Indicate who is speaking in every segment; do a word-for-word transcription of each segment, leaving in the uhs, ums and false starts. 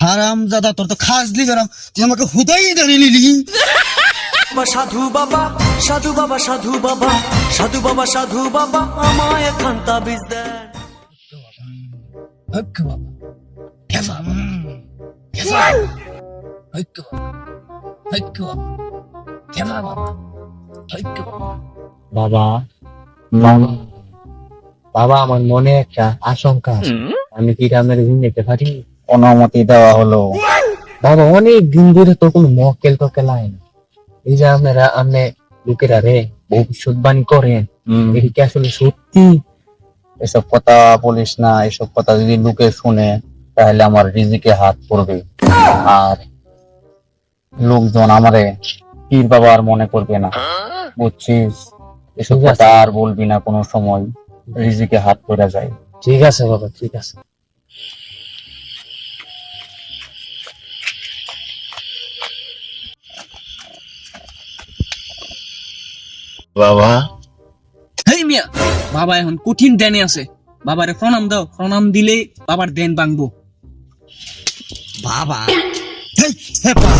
Speaker 1: হারাম জাদা, তোর তো খাজলি গরম, তুই আমাকে হুদাই ধরে নিলি।
Speaker 2: সাধু বাবা সাধু বাবা সাধু বাবা সাধু বাবা সাধু বাবা আমায় খান তাবিজ দেন।
Speaker 1: হক বাবা, কেফা বাবা, কেফা হক বাবা, হক বাবা, কেফা বাবা, হক বাবা।
Speaker 3: বাবা বাবা বাবা আমার মনে একটা আশঙ্কা আছে, আমি কি গ্রামের ঋণ নিতে পারি?
Speaker 1: অনুমতি দেওয়া হলো।
Speaker 3: বাবা অনেক দিন ধরে তো কোনো মক্কেল টকেল আয় না। এই যে আপনারা আপনি লোকেরা রে ভবিষ্যৎবাণী করেন, এটা কি আসলে সত্যি?
Speaker 1: এসব কথা বলিস না, এসব কথা যদি লোকে শুনে তাহলে আমার রিজিকে হাত পড়বে, আর লোকজন আমারে পীর বাবা আর মনে করবে না, বুঝছিস? এসব
Speaker 3: ঠিক আছে।
Speaker 1: কথা আর বলবি না কোনো সময়, রিজিকে হাত পড়ে যায়।
Speaker 3: ঠিক আছে বাবা, ঠিক আছে।
Speaker 1: বাবা
Speaker 4: হেই মিয়া, বাবা এখন কঠিন ধ্যানে আছে। বাবারে প্রণাম দাও, প্রণাম দিলে বাবার ধ্যান ভাঙবো।
Speaker 1: বাবা হেই, হেপা।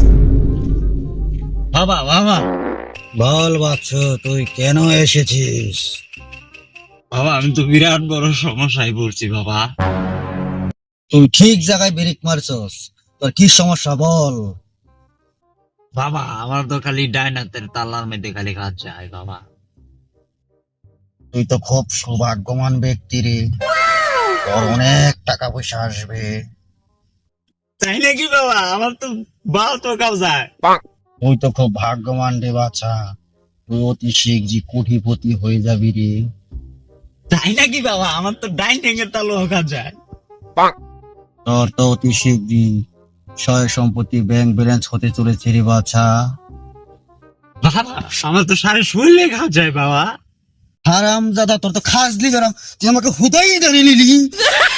Speaker 1: বাবা বাবা বল বাচ্চ, তুই কেন এসেছিস?
Speaker 5: বাবা আমি তো বিরাট বড় সমস্যায় পড়ছি বাবা।
Speaker 1: তুই ঠিক জায়গায় ব্রেক মারছস, তোর কি সমস্যা বল।
Speaker 5: বাবা আমার তো খালি ডাইনাতের তালার মধ্যে খালি কাজ যায় বাবা।
Speaker 1: তুই তো খুব সৌভাগ্যবান ব্যক্তি রে, তোর অনেক টাকা পয়সা আসবে।
Speaker 5: তাই নাকি বাবা? আমার তো বাল তো কাজ যায়।
Speaker 1: তুই তো খুব ভাগ্যবান রে বাছা, তুই অতি শীঘ্রই কোটিপতি হয়ে যাবি রে।
Speaker 5: তাই নাকি বাবা? আমার তো ডাইন ঠেঙ্গের তালু কাজ যায়।
Speaker 1: তোর তো অতি শীঘ্রই সয় সম্পত্তি ব্যাংক ব্যালেন্স হতে চলেছে রে বাছা।
Speaker 5: বাবা আমার তো সারা শরীরে কাজ যায় বাবা।
Speaker 1: হারাম জাদা, তোর তো খাজলি গরম, তুই আমাকে হুদাই ধরে নিলি।